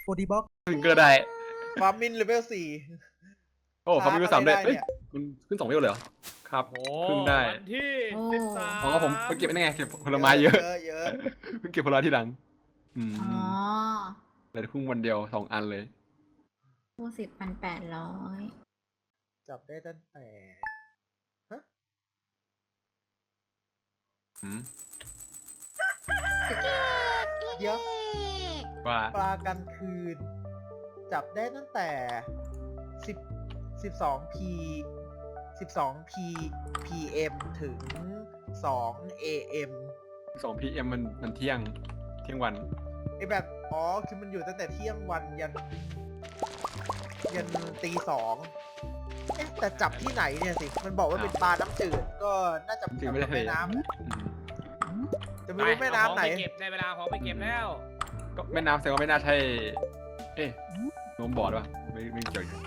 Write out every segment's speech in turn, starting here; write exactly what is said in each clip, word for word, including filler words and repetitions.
โอดีบ็อกขึ้นก็ได้ฟาร์มินเลเวลสี่โอ้เขามีสามเลยได้เอ้ยเนี่ยมันขึ้นสองเลเวลเลยเหรอครับโอ้ขึ้นได้วันที่โอ้สิบสามอ๋อผมไปเก็บได้ไงเก็บผลไม้เยอะเยอะเยอะเพิ่งเก็บผลไม้ทีหลังอืมอ๋อเลยเพิ่งวันเดียวสองอันเลยผู้สิบพันแปดร้อยจับได้ตั้งแต่ฮะอืมเดี๋ยวว่าปลากลางคืน จับได้ตั้งแต่สิบสิบสองพีสิบสองพีพีเอ็มถึงสองเอเอ็มสองพีเอ็มมันมันเที่ยงเที่ยงวันไอแบบอ๋อคือมันอยู่ตั้งแต่เที่ยงวันยัน ยันตีสองเอ๊ะแต่จับที่ไหนเนี่ยสิ มันบอกว่าเป็นปลาน้ำจืดก็น่าจะจริงๆไม่ได้แม่น้ำแหละอืมจะไม่รู้แม่น้ำไหนปเก็บได้เวลาของไปเก็บแล้วก็แม่น้ำแสดงว่าไม่น่าใช่ เอ๊ะโน้มบอร์ดวะไม่ไม่เกี่ยวอยู่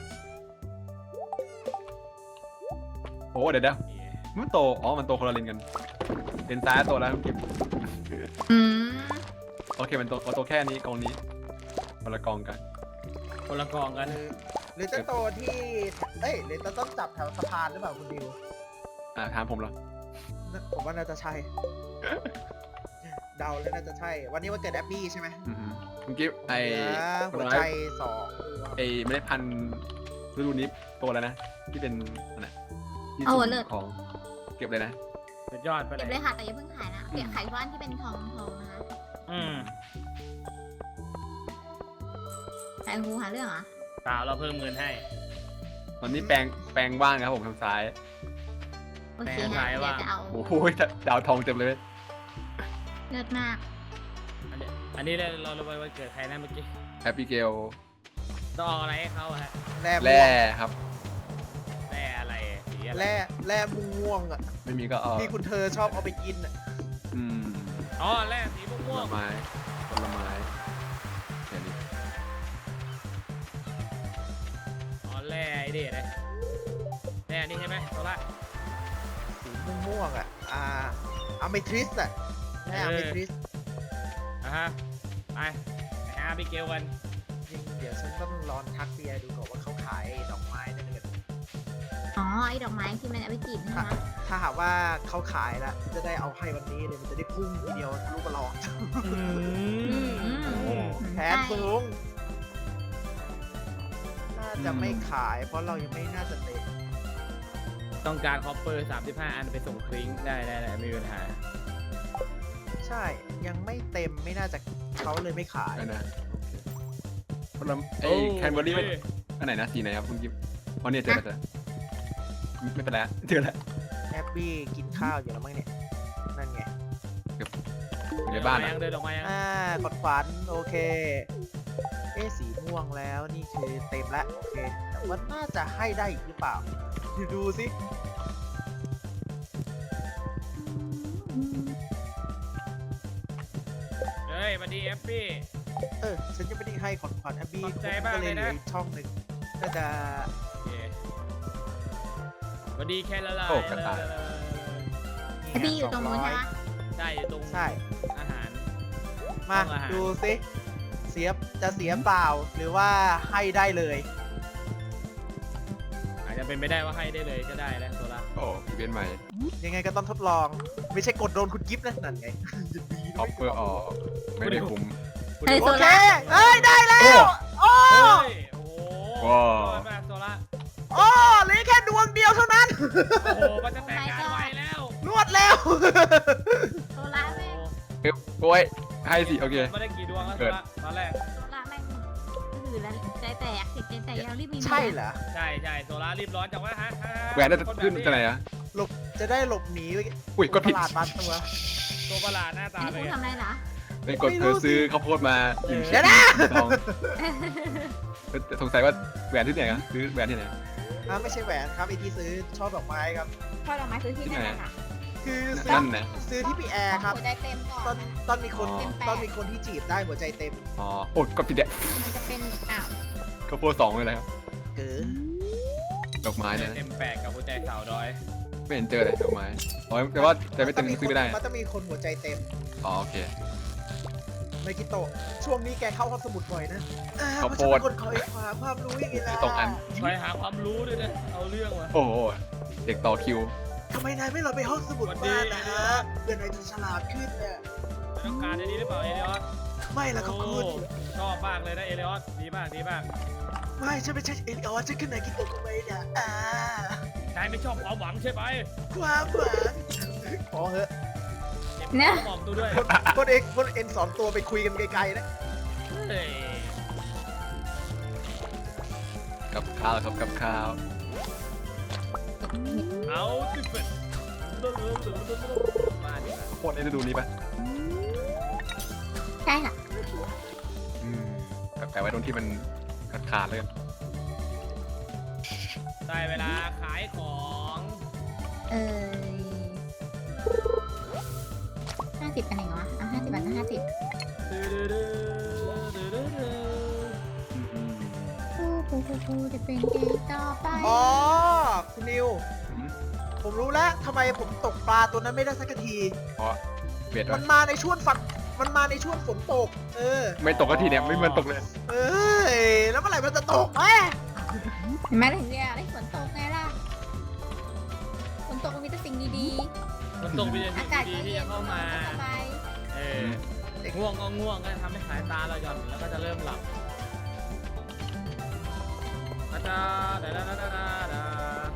โอ้เดี๋ยวเดี๋ยวมันโตอ๋อมันโตคนละเลนกันเลนซ้ายโตแล้วเก็บอืมโอเคมันโตมันโตแค่นี้กองนี้คนละกองกันคนละกองกันหรือหรือจะโตที่เอ้ยหรือจะต้องจับแถวสะพานหรือเปล่าคุณดิวอ่าถามผมเหรอน่าผมว่าน่าจะใช่ เดาแล้วน่าจะใช่ วันนี้วันเกิดแอบบี้ใช่ไหมอือฮึเมื่อกี้ไอเหลือผหัลวไม้ใจสองตัวไอไม่ได้พันธุ์ฤดูนี้โตแล้วนะที่เป็นอะไรที่เอาสุ่มเลิศของเก็บเลยนะสุดยอดไปเก็บเลเลย ยค่ะ แต่อย่าเพิ่งขายนะเก็บขายที่บ้านที่เป็นทองทองนะคะอืมแต่ครูหาเรื่องเหรอเปล่าเราเพิ่มเงินให้ตอนนี้แปลงแปลงว่างนะครับผมทางซ้ายโอเคแต่นะขายเดี๋ยวว่าจะเอาโอ้โหดาวทองเต็มเลยเลิศมากอันนี้อันนี้เราเราเราไปวันเกิดใครนะเมื่อกี้แอปปิเกลต้องเอาอะไรให้เขาอะฮะแร่แร่ม่วงครับแร่อะไรสีอะไรแร่แร่ม่วงอ่ะไม่มีก็เอาที่คุณเธอชอบเอาไปกินอ่ะอืมอ๋อแร่สีผม่วลงไม้ผลไม้แค่นี้ๆอ๋อแร่ไอ้เด็ดเลยแร่นี่ใช่ไหมโซล่าสีม่วงๆอ่ะ อ่าอะเมทริสอ่ะแร่อะเมทริสอ่ะฮะไปไปหาพี่เกลกันจริงเดี๋ยวฉันต้องลองทักเบียร์ดูก่อนว่าเขาขายดอกไม้ได้ไหมกันอ๋อ ไอ้ดอกไม้ที่มันเอาไปจีบใช่ไหมถ้าหากว่าเขาขายแล้วจะได้เอาให้วันนี้เลยมันจะได้พุ่งทีเดียวลูกกระลอกอืมอืมอืมแผนสูง น่าจะไม่ขาย เพราะเรายังไม่น่าจะเต็มต้องการคอปเปอร์สามสิบห้าอันไปส่งคลิงได้ได้ได้ไม่มีปัญหาใช่ยังไม่เต็มไม่น่าจะเขาเลยไม่ขายไปนะผลไม้ไอ้แคนเบอร์รี่ไม่อันไหนนะสีไหนครับคุณกิฟต์อ๋อเนี่ยเจอแล้วเจอไม่เป็นไรเจอแล้วแอปปี้กินข้าวอยู่แล้วมั้งเนี่ย นั่นไงอยู่ในบ้านยันะงเดินออกมายังอ่ากดขวัญโอเค เอ๊ะสีม่วงแล้วนี่คือเต็มแล้วโอเค แต่ว่าน่าจะให้ได้อีกหรือเปล่าดูสิเฮ้ยมาดีเอฟปี้เออ ฉันยังไม่ได้ให้ขอนขวัญแอปปี้ขอบใจมากก็เลเลยยเหลืนะออีกช่องหนึ่งน่าจะโอเคมาดีแค่ละลายโอ้กระต่ายไอ้บี้อยู่ตรงนู้นใช่ไหมใช่อยู่ตรงใช่อาหารมาห้องอาหารดูสิเสียจะเสียเปล่าหรือว่าให้ได้เลยอาจจะเป็นไปได้ว่าให้ได้เลยก็ได้แล้วโซล่าโอ้อีเวนต์ใหม่ยังไงก็ต้องทดลอง ไม่ใช่กดโดนคุณกิฟต์นะนั่นไง จะดีออฟเฟอร์ออกไม่ได้คุ้มเฮ้ยโอโซเคล่าเอ้ย ได้แล้วโอ้เฮ้ยโอ้โหว้าวยอดมากโซล่าโอ้เหลือแค่ดวงเดียวเท่านั้นโอ้โหมันจะแต่งงานไวแล้วรวดเร็วโซล่าแม่งเอ๊ะโอ้ยให้สิโอเคไม่ได้กี่ดวงแล้วโซล่าตอนแรกโซล่าแม่งถือแล้วใจแตกติดใจแตกเรารีบมีใช่เหรอใช่ใช่โซล่ารีบร้อนจังวะฮะแหวนได้ขึ้นจะไหนอะหลบ จะได้หลบหนีไปอุ้ยกดผิดตลาดบางตัวตัวประหลาดหน้าอัตานนี้เลครูยทำอะไรเหรอเป็นกดเธอซื้อข้าวโพดมาหนึ่งเดี๋ยวนะซองสงสัยว่าแหวนที่ไหนครับซื้อแหวนที่ไหนอ่าไม่ใช่แหวนครับไอที่ซื้อช่อดอกไม้ครับช่อดอกไม้ซื้อที่ไหนค่ะคือซื้อนั่นนะซื้อที่พี่แอร์ครับหัวใจเต็มก่ตออน นตอนมีคนอ๋อตอนมีคนที่จีบได้หัวใจเต็มอ๋อโอ้ยกดผิดเนี่ยมันจะเป็นอ้าวข้าวโพดสองเลยนะครับเก๋อดอกไม้นะเต็มแปดกับหัวใจสาวดอยไม่เห็นเจอเลยดอกไม้อ๋อแต่ว่าแต่ไม่เต็มซื้อไม่ได้มันต้องมีคนหัวใจเต็มอ๋อโอเคไมกิโตะช่วงนี้แกเข้าห้องสมุดบ่อยนะอ่าข้าวเพราะโพฉันดเป็นคนคอยหาความรู้อย่างนี้นะตรงอันไปหาความรู้ด้วยนะเอาเรื่องว่ะโอ้โหเด็กต่อคิวทำไมนายไม่เราไปห้องสมุดสวัสดีบ้านนะฮะเพื่อนนายจะฉลาดขึ้นเนี่ยต้องการอันนี้หรือเปล่าเอเลออสไม่ละครับคุณโอ้ชอบมากเลยนะเอเลออสดีมากดีมากไม่ฉันไม่ใช่เอลิออสฉันคือนายกิโตะทำไมเนี่ยอ่านายไม่ชอบความหวังใช่ไหมความหวังพอเหอะเจ็บนะหมอมตัวด้วยคนคนเอกคนเอ็นสอนตัวไปคุยกันไกลๆนะเฮ้ยกับข้าวครับกับข้าวเอาสิเป็ดมาดิค่ะโคตรได้ดูนี้ปะใช่ค่ะอืมแปะไว้ตรงที่มันขาดๆเลยกันได้เวลาขายของเออห้าสิบกันเองเหรออ่ะห้าสิบบาทก็ห้าสิบอืมผู้ผู้ผู้ผู้จะเป็นเกย์ต่อไปอ๋อคุณนิวอืมผมรู้แล้วทำไมผมตกปลาตัวนั้นไม่ได้สักทีเพราะเบียดมัวะนมาในช่วงฝักมันมาในช่วงฝนตก เออไม่ตกก็ทีเนี่ยไม่เหมันตกเลยเอ้ยแล้วเมื่อไหร่มันจะตกแม่เห็นไหมถึงเนี่ยได้ฝนตกไงล่ะฝนตกมันมีแต่สิ่งดีมันตรงไปๆยังอากาศดีก็ที่เย็จะนเข้ามาสบายเออง่วงก็ง่วงก็ทำให้สายตาเราหย่อนแล้วก็จะเริ่มหลับอาจารย์ดาดาดาดาดา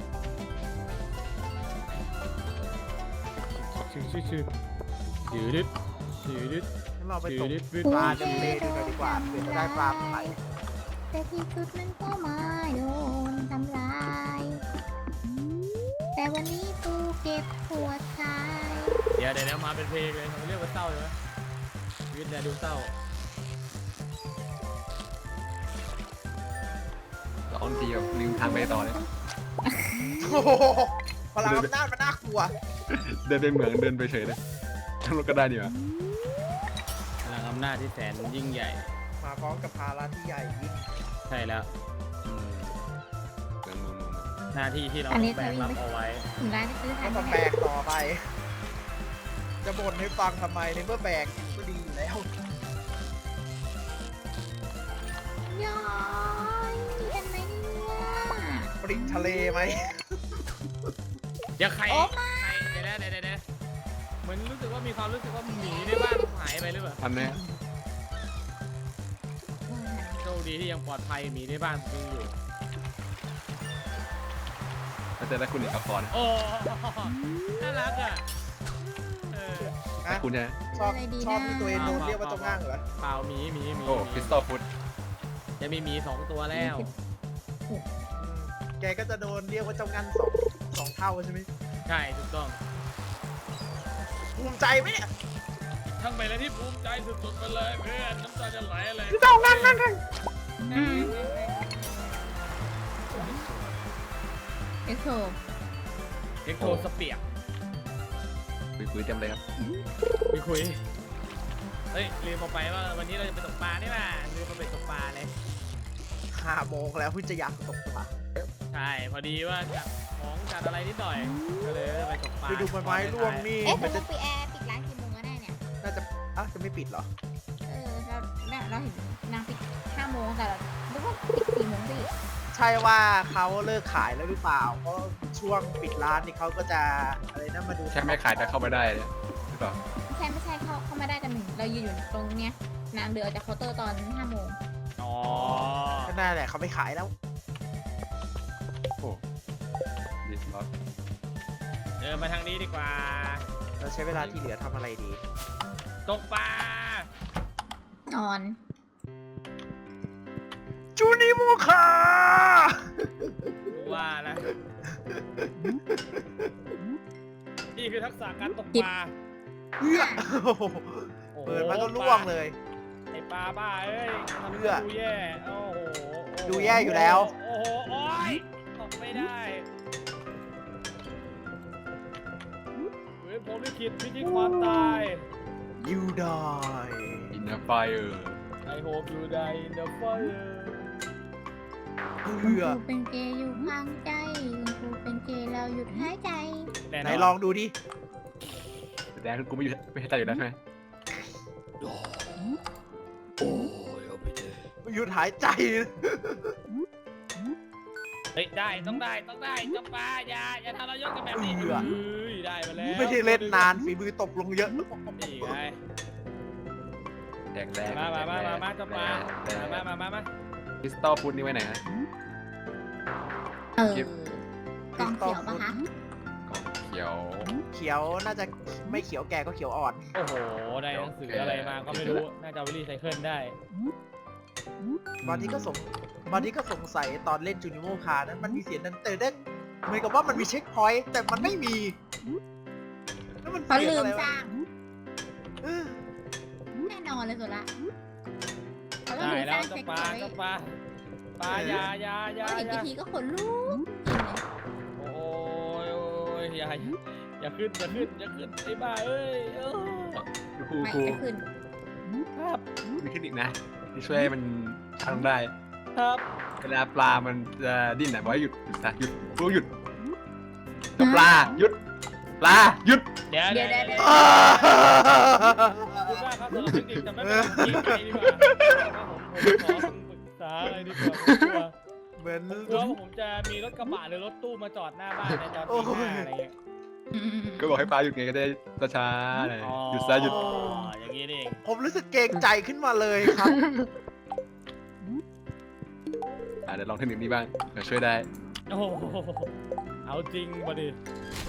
ชื่อชื่อชื่อชื่อดิดชื่อดิดงั้นเราไปตชื่อก ดิดปลาในทะเลดูหน่อยดีกว่าเผื่อจะได้ปลาใหม่แต่ที่สุดมันก็มาโดนทำลาย แต่วันนี้กูเก็บหัวใจเดี๋ยวเดี๋ยวมาเป็นเพลงเลยเขาเรียกว่าเศร้าใช่ไหมชีวิตเนี่ยดูเศร้าร้องทีแบบลืมทางไปต่อเลยโอ้โหพลังอำนาจมันน่ากลัวเดินไปเหมืองเดินไปเฉยเลยทั้งรถก็ได้ดีวะพลังอำนาจที่แสนยิ่งใหญ่มาพร้อมกับภาระที่ใหญ่ยิ่งใช่แล้วอืมเหมืองเมืองเมืองเมืองหน้าที่ที่เราอันนี้แบกรับเอาไว้ถึงร้านจะซื้อทัก็นต้องไหมแบกต่อไป จะบ่นให้ฟังทำไมในเมื่อแบกอยู่ก็ดีอยู่แล้วย้อยมีกันไหมเนี่ยปริงทะเลไหมเดี๋ยวใครโอ้ใครเดี๋ยวนะเดี๋ยวเดี๋ยวเดี๋ยวเหมือนรู้สึกว่ามีความรู้สึกว่าหมีในบ้านหายไปหรือเปล่าอันเนี้ยโชคดีที่ยังปลอดภัยหมีในบ้านยังอยู่ถ้าเจอได้คุณเอกพรโอ้น่ารักอ่ะเออนะคุณใช่ไหมชอบชอบที่ตัวเองโดนเรียกว่าเจ้าง่างเหรอเปล่าหมีหมีหมีโอ้คริสตัลฟุตจะมีหมีสองตัวแล้วอืมแกก็จะโดนเรียกว่าเจ้างันสองสองเท่าใช่ไหมใช่ถูกต้องภูมิใจไหมเนี่ยทั้งไปแล้วที่ภูมิใจสุดๆไปเลยเพื่อนน้ำตาจะไหลเลยเจ้างันงันงันอืมเอ็กโซเอ็กโทสเปียกคุยๆเต็มเลยครับคุยคุยเฮ้ยลืมบอกไปว่าวันนี้เราจะไปตกปลานี่ป่ะลืมมาไปตกปลาเลยห้าโมงแล้วเพิ่งจะอยากตกปลาใช่พอดีว่าจัดของจัดอะไรนิดหน่อยก็เลยไปตกปลาไปดูใบไม้ร่วงนี่เอ๊ะมันแต่จะต้องไปแอร์ปิดร้านกี่โมงก็ได้เนี่ยน่าจะอ่ะจะไม่ปิดเหรอเออเราเราเราเห็นนางปิดห้าโมงแต่เราคิดว่าปิดสี่โมงสิใช่ว่าเขาเลิกขายแล้วหรือเปล่า เพราะช่วงปิดร้านนี่เขาก็จะอะไรนะมาดูแค่ไม่ขายแต่เข้าไม่ได้เนี่ยหรือเปล่าไม่ใช่ไม่ใช่เข้าเข้ามาได้กันหนึ่งเรายืนอยู่ตรงเนี้ยนางเดือจากเคาน์เตอร์ตอนห้าโมงอ๋อก็น่าแหละเขาไม่ขายแล้วโอ้ดีครับเดินมาทางนี้ดีกว่าเราใช้เวลาที่เหลือทำอะไรดีตกปลานอนจูนิมูคาว่านะนี่คือทักษะการตกปลาเอื้อโอ้โหโอ้โหเปิดมาก็ล่วงเลยไอปลาบ้าเอ้ยทำให้เพื่อดูแย่โอ้โหโอ้โหดูแย่อยู่แล้วโอ้โหโอ้ยตกไม่ได้เฮ้ยผมลิขิตพิธีความตาย You die อินเนอร์ไฟเออร์ I hope you die in the fire เอื้อคุณครูเป็นเกย์อยู่ข้างใจคุณครูเป็นเกย์เราหยุดหายใจแน่ไหนนอนลองดูดิแดงกูไม่อยู่ไม่ให้ใจอยู่แล้วใช่ไหมโอ้ยเอาไปเถอะหยุดหายใจเฮ้ยได้ต้องได้ต้องได้เจ้าปลาอย่าอย่าทำเรายกกันแบบนี้เอือเฮ้ยได้มาแล้วไม่ได้เล่นนานฝีมือตกลงเยอะนี่ไงแดกแดกมามามามามาเจ้าปลาแดกมามามามาคริสตัลพุดนี่ไว้ไหนฮะเออคลิปกล่องเขียวปะคะกล่องเขียวเขียวน่าจะไม่เขียวแก่ก็เขียวอ่อนโอ้โหได้หนังสืออะไรมาก็ไม่รู้น่าจะเอาไปรีไซเคิลได้บางทีก็สงบางทีก็สงสัยตอนเล่นจูนิโมคานั้นมันมีเสียงนั้นเตือนเหมือนกับว่ามันมีเช็คพอยต์แต่มันไม่มีแล้วมันเขาเสียงลืมอะไรสวะร้างเออแน่นอนเลยสุดละเขาต้องได้ลืมสแล้ร้าว งเจ้าเช็คปพลาอยต์เจ้าปลาปลาอย่าอย่าอย่าพอเห็นอย่าวิธีก็ขนลุกจริงเลยโอ้ยโอ้ยอย่าอย่าขึ้นอย่าขึ้นอย่าขึ้นไอ้บ้าเอ้ยเออครูไม่ครูจะขึ้นครับมีเทคนิคนะที่ช่วยให้มันทำได้ครับเวลาปลามันจะดิ้นอ่ะบอกให้หยุดหยุดซะหยุดครูหยุดแล้วปลาหยุดปลาหยุดเดี๋ยวเดี๋เดี๋ยยว วเดี๋เดี๋ยยว วอ้าขอบคุณมากครับสำหรับเทคนิคแต่ไม่เป็นไรยิงไปดีกว่าผมผมขอปรึกษาอะไรดีกว่าผมกลัวเหมือนผมกลัวว่าผมจะมีรถกระบะหรือรถตู้มาจอดหน้าบ้านในตอนตีห้าอะไรเงี้ยอืมก็บอกให้ปลาหยุดไงก็ได้ช้าๆหน่อยหยุดซะหยุดอ๋ออย่างนี้นี่เองผมรู้สึกเกรงใจขึ้นมาเลยครับอ่ะเดี๋ยวลองเทคนิคนี้บ้างเดี๋ยวช่วยได้โอ้โหเอาจริงมาดิ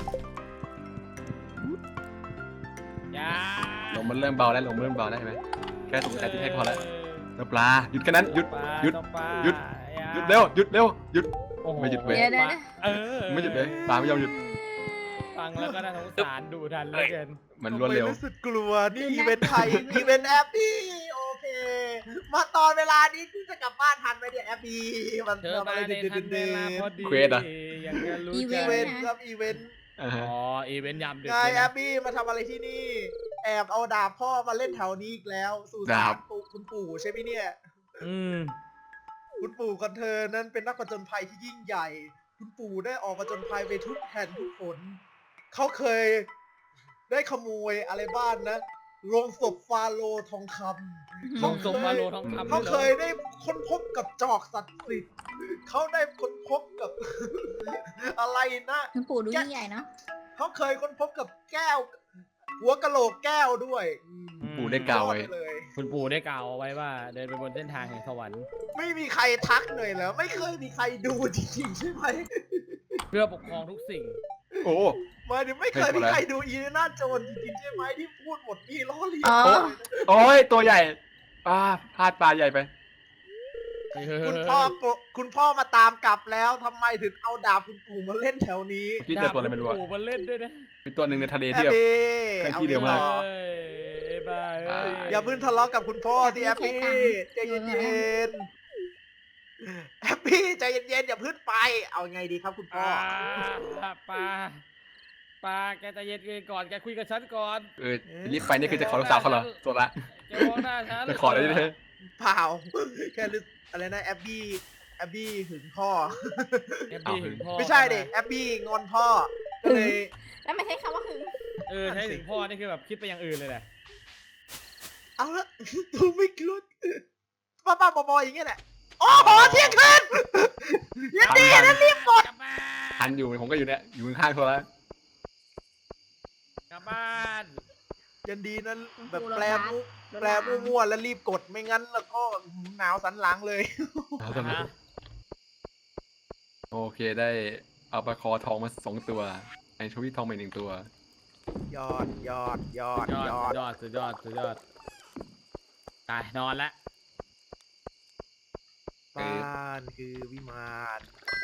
อย่าลมมันเริ่มเบาแล้วลมเริ่มเบาแล้วเห็นไหมแค่ตกใจที่ให้พอแล้วแล้วปลาหยุดแค่นั้นหยุด หยุด หยุด หยุดเร็วหยุดเร็วหยุดโอ้โไม่หยุดเว้ยเดี๋ยวเดี๋ยวเดี๋ยวเออไม่หยุดเลยปลาไม่ยอมหยุดฟังแล้วก็น่าสงสารดูทันเหลยเกินมันรวดเร็วผมรู้สึกกลัวนี่อีเวนต์ไทยอีเวนต์แอปปี้โอเค มาตอนเวลานี้ที่จะกลับบ้านทันไหมเนี่ยแอปปี้มันเธอทำมาอะไรในเด็ทันเวลาพอดดีเควสอะอย่างจะรู้อีๆเวอีใจเวนต์ครับอีเวนต์อ่าฮะอ๋ออีเวนต์ยามดึกไงเลยแอนะปปี้มาทำอะไรที่นี่ แอบเอาดาบพ่อมาเล่นแถวนี้อีกแล้วสู่สารปู่คุณปู่ใช่ไหมเนี่ยอืมคุณปู่ของเธอนั้นเป็นนักผจญภัยที่ยิ่งใหญ่ คุณปู่ได้ออกผจญภัยไปทุกแห่งทุกหนเขาเคยได้ขโมยอะไรบ้านนะโรงศพฟาโรห์ทองคำลงสมมาโลทองคำเขาด้วยหรอเคยได้ค้นพบกับจอกศักดิ์สิทธิ์เขาได้ค้นพบกับ อะไรนะคุณปู่ดูยิ่งใหญ่เนาะเขาเคยค้นพบกับแก้ว หัวกะโหลกแก้วด้วยอืมปู่ได้กล่าวไว้ยอดปเลยคุณปู่ได้กล่าวเอาไว้ว่า เดินไปบนเส้นทางแห่งสวรรค์ไม่มีใครทักหน่อยเหรอไม่เคยมีใครดูจริงๆใช่ไหมเพื่อปกครองทุกสิ่งโอ้หมายถึงไม่เคยมีใครดูอีเลน่าโจนจริงๆใช่ไหมที่พูดหมดนี่ล้อเลียนอ๋อเลยนะโอ้ยตัวใหญ่อ่าพลาดปลาใหญ่ไปคุณพ่อปลุคุณพ่อมาตามกลับแล้วทำไมถึงเอาดาบคุณปู่มาเล่นแถวนี้พี่เจอตัวอะไรไม่รู้ดาอะบคุณปู่มันเล่นด้วยนะมีตัวหนึ่งในทะเลแอที่ปแบบปี้เคลื่อนเอาที่เร็วมากต่อเอ้ยไอ้บ้าเอ้ยอย่าเพิ่งทะเลาะกับคุณพ่อที่แอปปี้ใจเย็นๆแอปปี้ใจเย็นๆอย่าเพิ่งไป เอาไงดีครับคุณพ่อปลาปลาปลาแกใจะเย็นๆก่อนแกคุยกับฉันก่อนเออรีบไปนี่คือจะขอลูกสาวเขาเหรอตัวละแกมองหน้าฉันจะขอได้ไหมเปล่า แค่รู้อะไรนะแอปปี้แอปปี้หึงพ่อแกบีถึงพ่อไม่ใช่ดิแอปปี้งอนพ่อ ก็เลยแล้วไม่ใช่คำว่าหึงเออใช่ถึงพ่อนี่คือแบบคิดไปอย่างอื่นเลยแหละเอาละ ดูไม่กลุ้นป้าป้าบอๆอย่างเงี้ยแหละ โอ้โหเที่ยงคืนยันดีนะรีบกดกลับบ้านทันอยู่ผมก็อยู่เนี่ยอยู่ข้างๆตัวละกลับบ้านยันดีนะแบบแปลมุกแปลมั่วๆแล้วรีบกดไม่งั้นแล้วก็หนาวสันหลังเลยเอาตัวนี้โอเคได้เอาปลาคอทองมาสองตัวไอชวิตทองมาอีกหนึ่งตัวยอดยอดยอดยอดยอดยอดสุดยอดสุดยอดตายนอนละบ้านคือวิมาน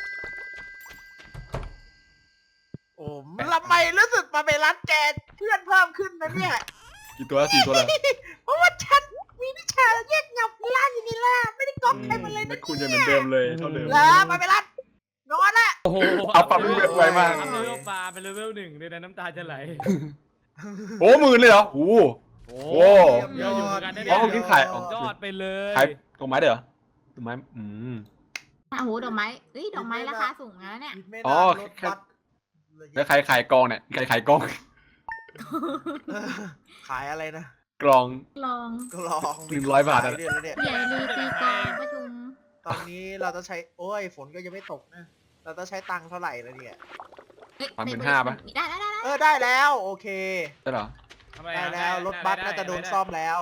โอ้มทำไมรู้สึกมาไปรัดแกเพื่อนเพิ่มขึ้นนะเนี่ยกี่ตัวละสี่ตัวละเพราะว่าฉันมีวิชาแยกเงาล่าอยู่นี่ล่ะไม่ได้ก๊อปใครมาเลยแม่นะคุณจะเหมือนเดิมเลยเท่าเดิมแล้วมาไปรัดนอนละโอ้โหเอาปรับเลเวลไวมากอัพเลเวลปลาเป็นเลเวลหนึ่งเลยนะน้ำตาจะไหลโอ้หมื่นเลยเหรอโอ้โอ้โอ้เยอะอยู่เหมือนกันนะอ๋เนี่อย ผมคิดขายอ๋อยอดไปเลยขายดอกไม้เด้อดอกไม้อืมโอ้โหดอกไม้เอ้ยดอกไม้ราคาสูงนะเนี่ยอีกไม่อ๋นาอนรถแค่บัสแล้วใครขายกองเนี่ยใครขายกองขายอะไรนะกลองลองก็ลองหนึ่งร้อยบาทอะขยเดือนแล้วเนี่ยใหญ่ลือตีกลองประชุมตอนนี้เราจะใช้โอ้ยฝนก็ยังไม่ตกนะเราจะใช้ตังค์เท่าไหร่แล้วเนี่ยเอ้ยสามหมื่นห้าปะได้ได้ได้ได้เออได้แล้วโอเคใช่เหรอทำไมได้อะแล้วรถบัสน่าจะโดนซ่อมแล้ว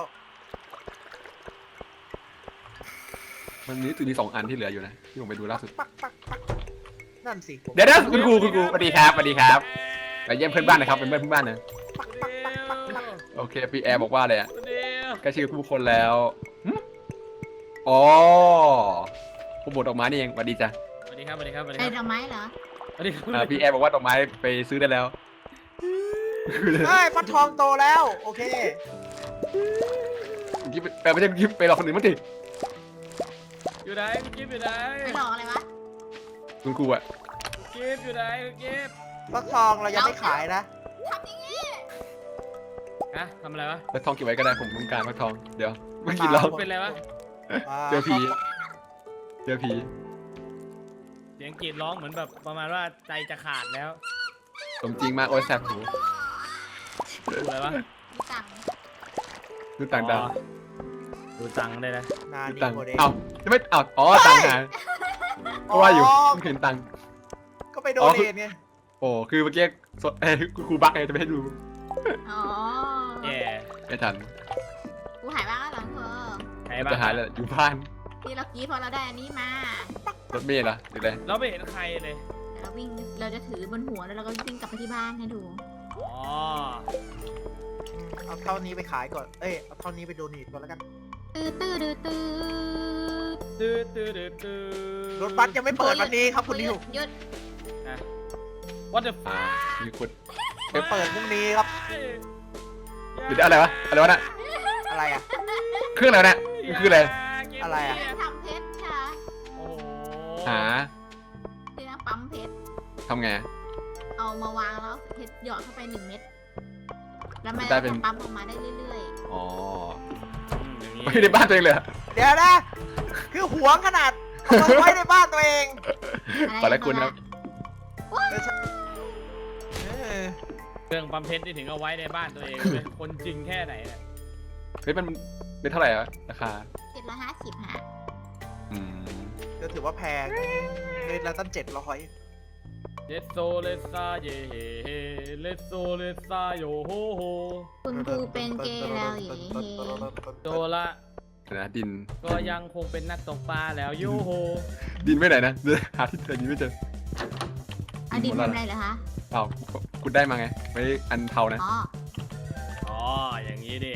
มันมีตัวนี้สองอันที่เหลืออยู่นะที่ผมไปดูล่าสุดปักปักปักนั่นสิผมเดี๋ยวนะคุณครูคุณครูสวัสดีครับสวัสดีครับไปเยี่ยมเพื่อนบ้านหนะครับเป็นเพื่อนเพื่อนบ้านนะปักปักปักปักปักโอเคพี่แอร์บอกว่าอะไรอ่ะเดี๋ยวใกล้ชื่อผู้คนแล้วหึอ๋อผู้บดดอกไม้นี่เองสวัสดีจ้ะสวัสดีครับสวัสดีครับสวัสดีไอ้คดรับอกไม้เหรอสวัสดีครับอ่าพี่แอร์บอกว่าดอกไม้ไปซื้อได้แล้วเฮ้ยฟักทองโตแล้วโอเคกิ๊บไปไม่ใช่กิ๊บไปหลอกคนอื่นมั้งดิอยู่ไหนพี่กิฟต์อยู่ไหนไม่หลอกอะไรวะคุณครูอ่ะกิฟต์อยู่ไหนกิฟต์ฟักทองเรายังไม่ขายนะทำอย่างนี้ฮะทำอะไรวะแล้วทองเก็บไว้ก็ได้ผมต้องการฟักทองเดี๋ยวไม่กินแล้วเป็นอะไรวะาเจอผีเจอผีเสียงกรีดร้องเหมือนแบบประมาณว่าใจจะขาดแล้วสมจริงมากโอ้ยแสบหูดูอะไรวะสั่งดูต่างดาวอ๋อดูตังค์ได้นะนาดูนี่ต่างโมเดลเอ้าจะไม่เอ้าอ๋อต่างหายก็ว่าอยู่ไม่เห็นตังค์ก็ไปโดอ๋อเนทไงโอ้คือเมื่อกี้สดเอ้ยครูบักไงจะไม่ให้ดูอ๋อแย่ไม่ทันกูหายบ้างแล้วเหรอเธอใครมันบ้างจะหายแล้วอยู่บ้านที่เรากรีดพอเราได้อันนี้มารถเมล์เหรอหรืออะไรเราไม่เห็นใครเลยเดี๋ยวเราวิ่งเราจะถือบนหัวแล้วเราก็วิ่งกลับไปที่บ้านให้ดูอ๋อเอาเท่านี้ไปขายก่อนเอ้ยเอาเท่านี้ไปโดเนทก่อนแล้วกันตื้อตื้อตื้อตื้อตื้อตื้อตื้อตื้อรถบัสยังไม่เปิดวันนี้ครับคุณนิวหยุดนะ What the อ่า fuck มีคนไปเปิดพรุ่งนี้ครับเดี๋ยวอะไรวะอะไรวะน่ะอะไรอ่ะเครื่องอะไรวะน่ะมันคืออะไรอะไรอะเครื่องทำเพชรค่ะโอ้โหหาเครื่องปั๊มเพชรทำไงเอามาวางแล้วเพชรหยอดเข้าไปหนึ่งเม็ดแล้วมันได้ก็เป็นจะปั๊มออกมาได้เรื่อยอ๋ออืมอย่างนี้ไม่ได้บ้านตัวเองเลยเหรอเดี๋ยวนะ คือหวงขนาดเอามาไว้ในบ้านตัวเองๆอะไรขอละคุณครับเออเครื่องปั๊มเพชรที่ถึงเอาไว้ในบ้านตัวเองเป็นคนจริงแค่ไหนเนี่ยเฮ้ยมันเป็นเท่าไหร่อะราคาเจ็ดร้อยห้าสิบฮะอืมก็ถือว่าแพงเดือนละตั้งเจ็ดร้อยเลสโซเลสซาเย่เฮเฮเลสโซเลสซาโยโฮโฮคุณครูเป็นเกย์แล้วเย่โดละเดี๋ยวนะดินก็ยังคงเป็นนักตกปลาแล้วโยโฮดินไม่ไหนนะเดี๋ยวหาที่เจอดินไม่เจออดีตเป็นอะไรเหรอคะเปล่าคุณได้มาไงไว้อันเทานะอ๋ออ๋ออย่างนี้นี่เอง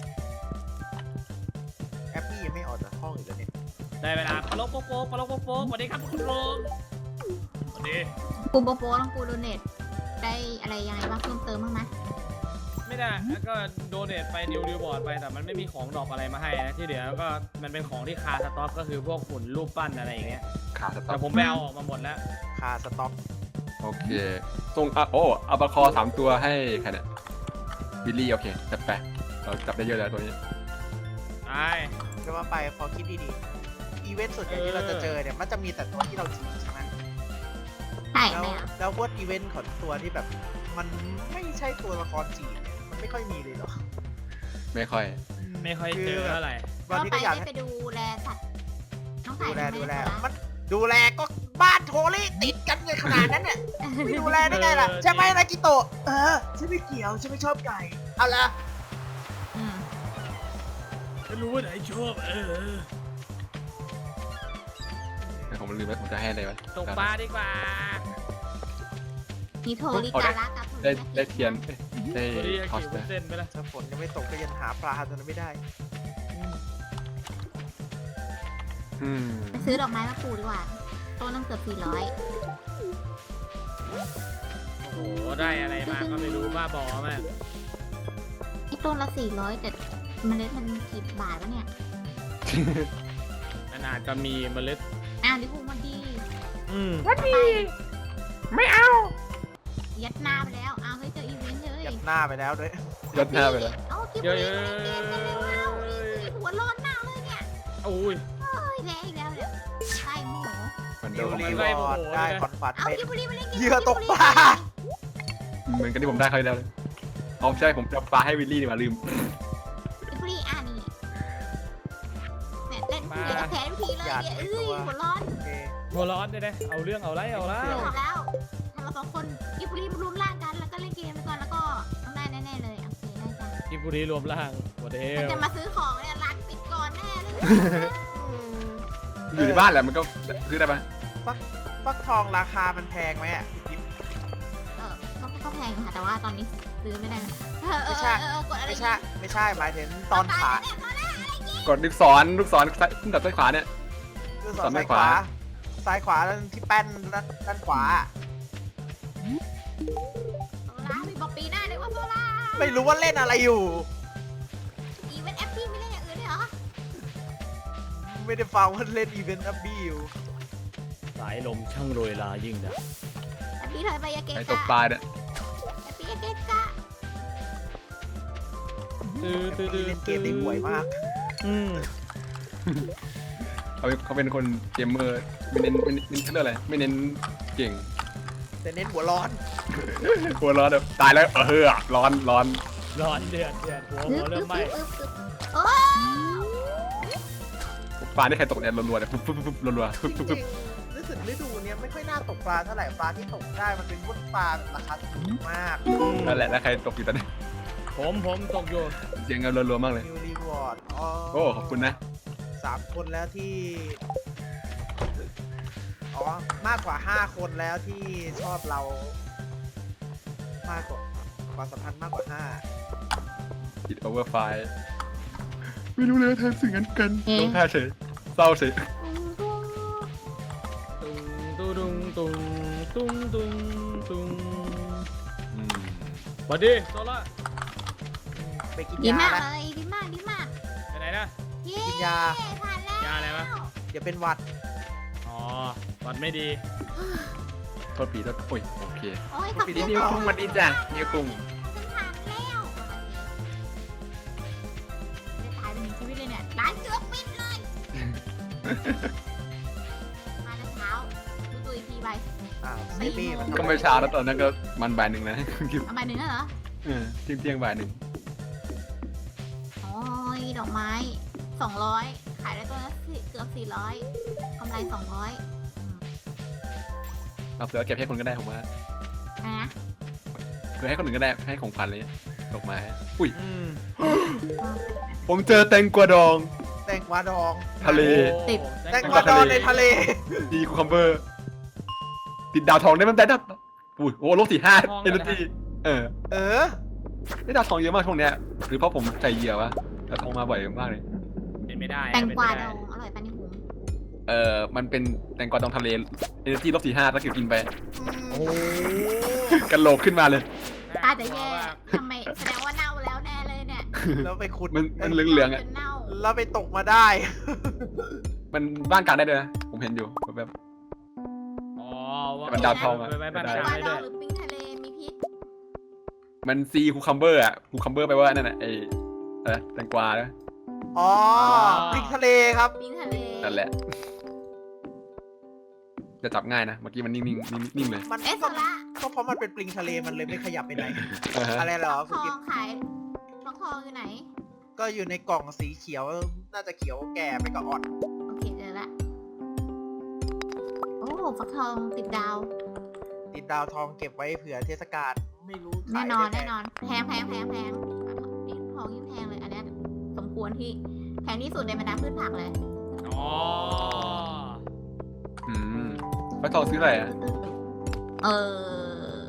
แอปปี้ยังไม่ออกจากห้องอีกแล้วเนี่ยได้เวลาปลกโป๊กโป๊กปลกโป๊กโป๊กสวัสดีครับคุณลุงสวัสดีปูโปโปต้องปูโดเนทได้อะไรยังไงบ้างเพิ่มเติมบ้างไหมไม่ได้แล้วก็โดเนทไปนิวดิวบอร์ดไปแต่มันไม่มีของดอกอะไรมาให้นะที่เหลือก็มันเป็นของที่คาสต็อกก็คือพวกหุ่นรูปปั้นอะไรอย่างเงี้ยขาสต็อแต่ปผมไปเอาออกมาหมดแล้วคาสต็อกโอเคส่งอ่ะโอ้อัลบาคอสามตัวให้ใครเนี่ยบิลลี่โอเคจัดไปเราจับได้เยอะแล้วตัวนี้ไอ้จะว่าไปพอคิดดีๆ อีเวนต์ส่วนใหญ่ที่เราจะเจอเนี่ยมันจะมีแต่ตัวที่เราจีบใช่ไหมใช่แล้วไหมอ่ะแล้วพวกอีเวนต์ของตัวที่แบบ มันไม่ใช่ตัวละครจีบเนี่ยมันไม่ค่อยมีเลยหรอไม่ค่อยไม่ค่อยเจอเท่าไหร่บางก็ทีไปก็อยากได้ให้ไปดูแลสัตว์น้องไก่ดูแลทำไมดูแลคะมันดูแลก็บ้านโทรี่ติดกันเลยขนาดนั้นเนี่ยไม่ดูแลได้ไงล่ะใช่ไหมนากิโตะเออฉันไม่เกี่ยวฉันไม่ชอบไก่เอาละอืมไม่รู้ว่าไหนชอบเออผมลืมแล้วผมจะให้อะไรวะตกปลาดีกว่ามีโทริการะกับโทได้ริได้เทียนเอ้ยได้ตัวนี้คอสกี่นะเส้นไปละถ้าฝนยังไม่ตกก็ยังหาปลาตัวนั้นไม่ได้อืมไปซื้อดอกไม้มาปลูกดีกว่าต้นต้องเกือบสี่ร้อยโอ้โหได้อะไรมาก็ไม่รู้บ้าบอมากไอ้ต้นละสี่ร้อยแต่เมล็ดมันกี่บาทวะเนี่ยขนาดก็มีเมล็ดอ้าวดิคุณวันดีอืมวันดีไม่เอา ยัดหน้าไปแล้วอ้าวเฮ้ยเจออีเวนต์เลยยัดหน้าไปแล้วด้วยยัดหน้าไปแล้วเอ้ากิบเยบุอะรีเยอะเกมกันเร็วเอาหัวร้อนมากเลยเนี่ยโอ้ยเฮ้ยแพ้อีกแล้วเนี่ยใช่โมโหมันโดดิวน รีวอร์ดได้คอนฟัดเอาเป็นกิบบุรีมาเล่นเกมเหยื่อตกปลาเหมือนกันที่ผมได้เขาวที่แล้วเลยเอาใช่ผมจะปลาให้วิลลี่ดีกว่าลืมฟรีอ่ะนี่แหม่เล่นเดี๋ยวจะแพ้ทุกทีเลยเนี่ยเอ้ยหัวร้อนโอเคหัวร้อนเลยนะเอาเรื่องเอาไรเอาละเดี๋ยวบอกแล้วถ้าเราสองคนกิฟฟรีมารวมร่างกันแล้วก็เล่นเกมไปก่อนแล้วก็ต้องได้แน่ๆเลยโอเคได้จ้ะกิบุรีรวมร่างหัวเทมันลจะมาซื้อของเนี่ยร้านปิดก่อนแน่เลยอยู่ในบ้านแหละมันก็ซื้อได้ปะฟักทองราคามันแพงไหมอ่ะกิ๊บเออก็ก็แพงค่ะแต่ว่าตอนนี้ซื้อไม่ได้เออเออไม่ใช่เออเออกดอะไรไม่ใช่ไม่ใช่หมายถึงตอนขายกดลูกศรลูกศรซ้ายขึ้นกับซ้ายขวาเนี่ยคือสสออน นซ้ายขขวาวาซ้ายขวาด้านที่แป้นด้านด้านขวาโซล่ามีบอกปีหน้าเลยว่าโซล่าไม่รู้ว่าเล่นอะไรอยู่อีเวนต์แอปพี่ไม่เล่นอย่างอื่นเลยเหรอไม่ได้ฟังว่าเล่นอีเวนต์อัพบี้อยู่สายลมช่างโรยลายิ่งนะแอปพี่ถอยไปอยาเกะไอ้ตกะกปลาเนี่ยแอปพี่อยาเกะกะตื้อตื้อตื้อเล่นเกมได้ห่วยมากอืมเขาเขาเป็นคนเกมเมอร์ไม่เน้นไม่เน้นเขาเรียกอะไรไม่เน้นเก่งแต่เน้นหัวร้อนหัวร้อนแบบตายแล้วเออร้อนร้อนร้อนเดือดเดือดหัวหัวเริ่มไหม้อึ๊บอึ๊บโอ้ปลาที่ใครตกเนี่ยรัวๆเนี่ยปุ๊บปุ๊บปุ๊บรัวๆจปุ๊บปุ๊บริปุ๊บงๆรู้สึกฤดูเนี้ยไม่ค่อยน่าตกปลาเท่าไหร่ปลาที่ตกได้มันเป็นพวกปลาแบบราคาถูกมากนั่นแหละแล้วใครตกอยู่ตอนนี้ผมผมตกอยู่เสียงเงินรัวๆมากเลยนิวรีวอร์ดโอ้ขอบคุณนะสามคนแล้วที่ อ๋อ มากกว่าห้าคนแล้วที่ชอบเรา มากกว่าความสัมพันธ์มากกว่าห้าติดโอเวอร์ไฟไม่รู้เลยว่าเธอสิ่งนั้นกันลงท่าเฉยเศร้าเฉยตุงตุงตุงตุงตุงตุงอืมสวัสดีโซล่าไปกินดียามากนะเลยดีมากดีมากไปไหนนะเย้กินยาผ่านแล้วยาอะไรวะเดี๋ยวเป็นหวัดอ๋อวัดไม่ดีโทษปีโทษโอ้ยโอเคโอ้ยขอบปีคุนี้ณนิ้วค่ะกุ้งมันดีจ้ะนิ้วกุ้งฉันผ่านแล้วจะตายเป็นหนึ่งชีวิตเลยเนี่ยร้านเกือบปิดเลย มาแต่เช้าดูตัวอีกทีไปอ้าวเซบี้มันก็ไม่เช้าแล้วตอนนั้นก็มันบ่ายหนึ่งนะเอาใบหนึ่งแล้วเหรอเออเที่ยงเที่ยงบ่ายหนึ่งโอ้ยดอกไม้สองร้อยขายได้ตัวละสี่เกือบสี่ร้อยกำไรสองร้อยเอาเสือเก็บให้คนก็ได้ผมว่านะคือให้คนอื่นก็ได้ให้ของขวัญเลยดอกไม้อุ้ยอืมผมเจอแตงกวาดองแตงกวาดองทะเลติดแตงกวาดองในทะเลดีคูคัมเบอร์ติดดาวทองได้มันได้ดับอุ้ยโอ้โลกสี่ห้าเอเนจีเออเออได้ดาวทองเยอะมากช่วงเนี้ยหรือเพราะผมใจเหยียววะดาวทองมาบ่อยมากเลยเป็นไม่ได้แตงกวาเป็นดไม่อไงอร่อยปะนี่หุงเออมันเป็นแตงกวาดองทะเลเอเนจีลบสี่ห้าแล้วเก็บกินไปโอ้กันโหลกขึ้นมาเลยตาจะแย่ทำไมแสดงว่าเน่าแล้วแน่เลยเนี่ยแล้วไปขุดมันมันเหลืองๆอ่ะจนเน่าแล้วไปตกมาได้มันบ้านกลางได้ด้วยนะผมเห็นอยู่แบบอ๋อว่ามันดาวทองอะไปไว้บ้านได้กแตงลางกวาได้ดด้อวงยหรือปิ้งทะเลมีพิษมันซีคูคัมเบอร์อ่ะคูคัมเบอร์แปลว่านั่นน่ะไออะไรแตงกวานะอ๋อพริกทะเลครับปิ้งทะเลนั่นแหละ จะจับง่ายนะเมื่อกี้มันนิ่งๆนิ่งนิ่งเลยมันเอ๊ะโซก็ล่าก็เพราะมันเป็นปลิงทะเลมันเลยไม่ขยับไปไหนอ่าฮะอะไรเหรอทคุณอกิ๊งบขายทองทองอยู่ไหนก็อยู่ในกล่องสีเขียว น่าจะเขียวแก่ไปกับอ่อนโอเคเจอละโอ้ฟักทองติดดาวติดดาวทองเก็บไว้เผื่อเทศกาลไม่รู้ขายแน่นอนได้แน่ไหมนอนแพงแพงแพงแพงนี่ทองยิ่งแพงเลยอันเนี้ยสมควรที่แพงที่สุดในบรรดาพืชผักเลยอ๋ออืมฟักทองซื้ออะไรอ่ะเออ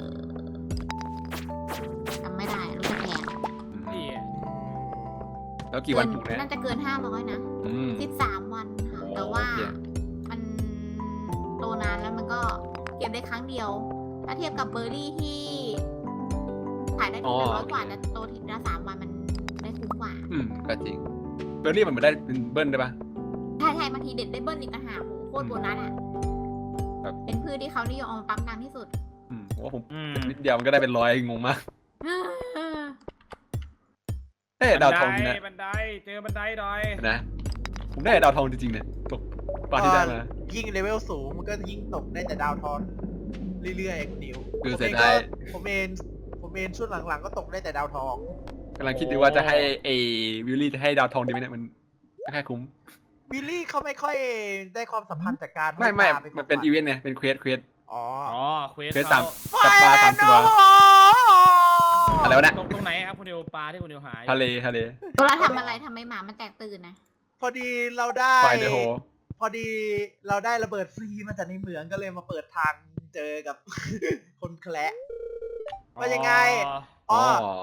จำไม่ได้รู้จะแพงนี่แล้วกี่วันปลูกเนี่ยน่าจะเกินห้าร้อยนะอืมสิบสามวันค่ะโอ้แต่ว่าโอเคมันโตนานแล้วมันก็เก็บได้ครั้งเดียว ถ้าเทียบกับเบอร์รี่ที่ขายได้ทีละร้อยกว่าแต่โตทีละสามวันมันได้คุ้มกว่าอืมก็จริงเบอร์รี่มันเหมือนได้เป็นเบิ้ลได้ปะใช่ใช่บางทีเด็ดได้เบิ้ลอีกต่างหากโหโคตรโบนัสอ่ะครับเป็นพืชที่เขานิยมเอามาปั๊มน้ำที่สุดอืมผมว่าผมอืมนิดเดียวมันก็ได้เป็นร้อยงงมากเอ๊ะดาวทองจริงนะบันไดเจอบันไดดอยนะผมได้ดาวทองจริงๆเนี่ยตกตอนที่ได้มายิ่งเลเวลสูงมันก็ยิ่งตกได้แต่ดาวทองเรื่อยๆคุณนิวคือผมเสีเอย งดาก็ยผมเองผมเองช่วงหลังๆก็ตกได้แต่ดาวทองกำลังคิดดูว่าจะให้ไอ้วิลลี่จะให้ดาวทองดีไหมเนี่ยมันไม่ค่อยคุ้มวิลลี่เขาไม่ค่อยได้ความสัมพันธ์จากการไม่ไม่ให้ปลามันเป็นอีเวนต์เนี่ยเป็นเควสเควสอ๋ออ๋อเควสเควสเขาสามจับปลาสามตัวอะไรวะเนี่ยตรงตรงไหนครับคุณเดียวปลาที่คุณเดียวหายทะเลทะเลตัวเราทำอะไรทำไมหมามันแตกตื่นนะพอดีเราได้ไฟเดอะโฮพอดีเราได้ระเบิดฟรีมาจากในเหมืองก็เลยมาเปิดทางเจอกับ คนแคละว่ายังไงอ๋อ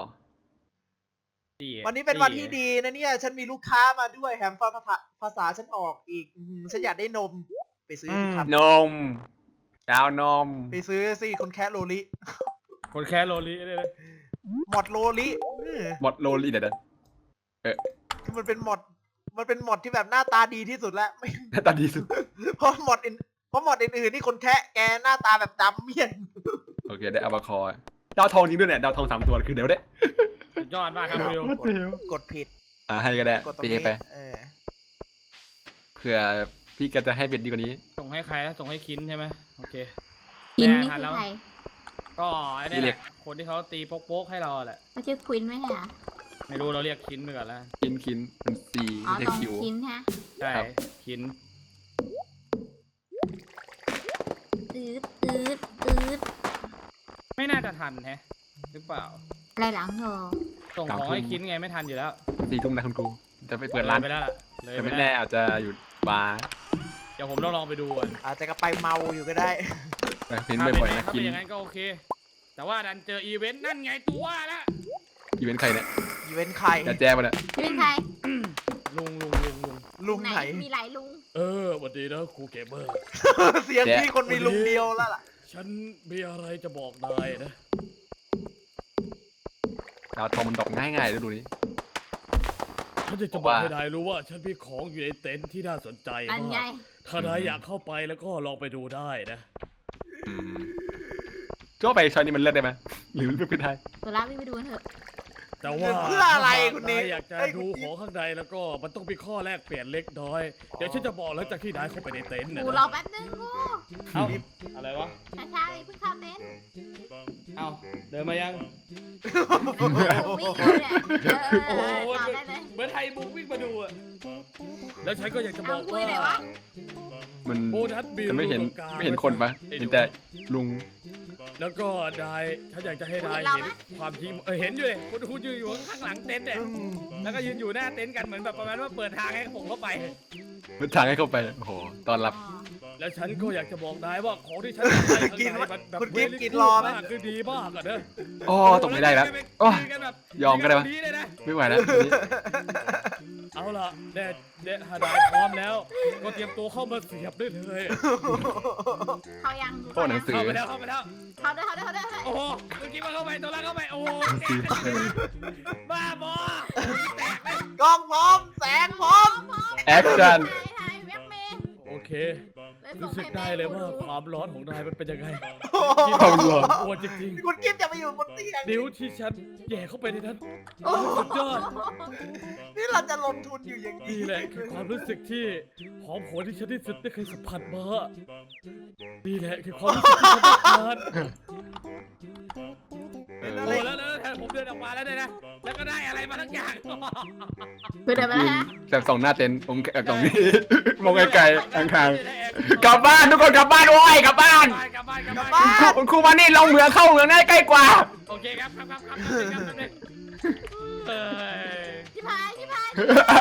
ดีวันนี้เป็นวันที่ดีนะเนี่ย ฉันมีลูกค้ามาด้วยแถมฟังภาษาภาษาฉันออกอีกอืมฉันอยากได้นม ไปซื้อสิครับนมดาวนมไปซื้อสิคนแคะโลลิคนแค่โรลี่เลยนะหมดโลลิเออหมดโลลี่เดี๋ยวคือมันเป็นหมด มันเป็นหมดที่แบบหน้าตาดีที่สุดแล้ว ไม่หน้าตาดีสุดเพราะหมดอื่นเพราะหมดอื่นๆนี่คนแคะแกหน้าตาแบบดำเมี่ยนโอเคได้อาบาคอร์ดาวทองจริงด้วยเนี่ยดาวทองสามตัวคือเดี๋ยวได้สุดยอดมากครับคุณเดียวเดี๋ยวกดผิดอ่าให้ก็ได้กดตรงตีนี้ไปเออเผื่อพี่ก็จะให้เป็นดีกว่านี้ส่งให้ใครนะส่งให้คินใช่ไหมโอเคกินแน่นี่ทันคืแล้อวใครก็ไอ้นี่แหละคนที่เขาตีโป๊กๆให้เราแหละก็ชื่อควินไหมฮะไม่รู้เราเรียกคินไปก่อนแล้วคินคินเป็นซีอ๋อไม่ตใช่รงคิวคินฮะใช่ครับคินอืดอืดอืดไม่น่าจะทันแฮะหรือเปล่าอะไรหลังเธอส่งของให้คินไงไม่ทันอยู่แล้วสี่ทุ่มนะคุณครูจะไปเปิดร้านเลยไปแล้วล่ะเลยแต่ไปไม่แล้วแน่อาจจะอยู่บาร์เดี๋ยวผมต้องลองไปดูก่อนอาจจะก็ไปเมาอยู่ก็ได้แต่เห็นถ้าบ่อยๆนะถ้ากิเป็น นอย่างนั้นก็โอเค แต่ว่าดันเจออีเวนต์นั่นไงตัวละอีเวนต์ใครเนี่ยอีเวนต์ใครจะแจ้มาเนี่ยชื่อใครลุงลุงลุงลุงลุงไหนมีหลายลุงเออสวัสดีนะครูเกมเมอร์เสียงพี่คนมีลุงเดียวแล้วล่ะฉันมีอะไรจะบอกนายนะดาวทองมันดอกง่ายๆดูดิฉันจะบจะอกบอกว่าให้นายรู้ว่าฉันมีของอยู่ในเต็นท์ที่น่าสนใจอันไงมากถ้านายอยากเข้าไปแล้วก็ลองไปดูได้นะอืมก็ไปชอยนี่มันเลิศได้ไหมหรือมันเป็นไทยตัวรับวิ่งไปดูกันเถอะแต่ว่าเพื่ออะไรคุณนินายอยากจะเอ้ยคุดูณนิของข้างในแล้วก็มันต้องมีข้อแลกเปลี่ยนเล็กน้อย เดี๋ยวฉันจะบอกหลังจากที่นายเข้าไปในเต็นท์นะกูรอแป๊บนึงกูเอ้าอะไรวะช้าๆเลยเพิ่งเข้าเต็นท์เอ้าเดินมายังวิ่งอยู่เนี่ยเออโอ้โหต่อได้เลยเหมือนไทยบุ๊กวิ่งมาดูอะแล้วฉันก็อยากจะบอกเอาคุยว่าหน่อยวะมันโบนัสบิลจะไม่เห็นตรงกลางไม่เห็นคนปะเห็นแต่ลุงแล้วก็นายฉันอยากจะให้นายเห็นความจริงเออเห็นอยู่เลยคุณคุณยืนอยู่ข้างหลังเต็นท์เนี่ยอืมแล้วก็ยืนอยู่หน้าเต็นท์กันเหมือนแบบประมาณว่าเปิดทางให้ผมเข้าไปมันทางให้เข้าไปโอ้โหตอนรับแล้วฉันก็อยากจะบอกนายว่าของที่ฉันให้ข้างกินในวะมันแบบคุณกิน very กิน good รอไหมมากคือดีมากอะเนอะอ๋อตกไม่ได้แล้วโอ้คุกันแบบยอมก็ได้ปะคุยนแบบนี้เลยนะไม่ไหวแล้วทีนี้เอาล่ะเด็ดเด็ดฮานายพร้อมแล้ว ก็เตรียมตัวเข้ามาเสียบได้เลยเขายังโอ้หนังสือเข้าไปแล้วเข้าไปแล้วเขาด้วยเขาด้วยเขาด้วยเขาด้วยโอ้โหเมื่อกี้มันเข้าไปตัวละเข้าไปโอ้โหบ้าบอแตกเลยกล้องพร้อม แสงพร้อมแอคชั่นถ่ายถ่ายแว็บเมย์โอเคเลยส่รู้งสึกให้แม่ได้เลยว่าดูความร้อนของนายมันเป็นยังไงความร้อนปวดจริงคุณกิฟจะไปอยู่บนเตียงๆนิ้วที่ฉันแย่เข้าไปในนั้นโอ้โหสุดยอดนี่เราจะลงทุนอยู่อย่างนี้นี่แหละคือความรู้สึกที่หอมหวนที่ฉันที่สุดได้เคยสัมผัสมานี่แหละคือความรู้สึกที่ฉันต้องการเออโอ้แล้วแล้วแล้วผมเดินออกมาแล้วเนี่ยนะ แล้วก็ได้อะไรมาทั้งอย่างคือเดินไปแล้วฮะแต่สองหน้าเต็นท์ผมแอบตรงนี้ มองไกลๆข้างๆกลับบ้านทุกคนกลับบ้านโว้ยกลับบ้านกลับบ้านกลับบ้านกลับบ้านครูครูมานี่ลงเหมืองเข้าเหมืองง่ายใกล้กว่าโอเคครับครับครับครับครับครับครับเอ้ยชิพายชิพาย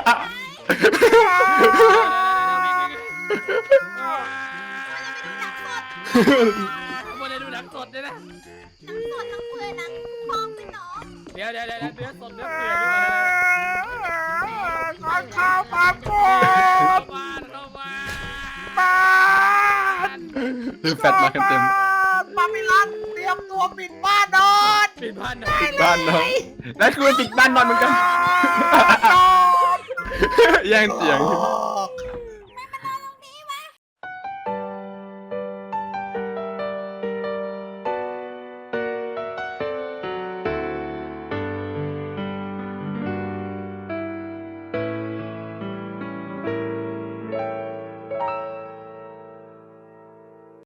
วันนี้ดูหนังสดด้วยนะทั้งสดทั้งเปลือยทั้งพร้อมไปหนอเดี๋ยวเดี๋ยวเดี๋ยวเนื้อสดเนื้อเปื่อยด้วยข้าวข้าวปามโกเข้าบบ้านเข้าบ้านบ้านคือแฟตมาเต็มปามิลันเตรียมตัวปิดบ้านนอนปิดบ้านหน่อยๆบ้านน้องแล้วคือปิดบ้านนอนเหมือนกันนอนแย่งเสียงโอ้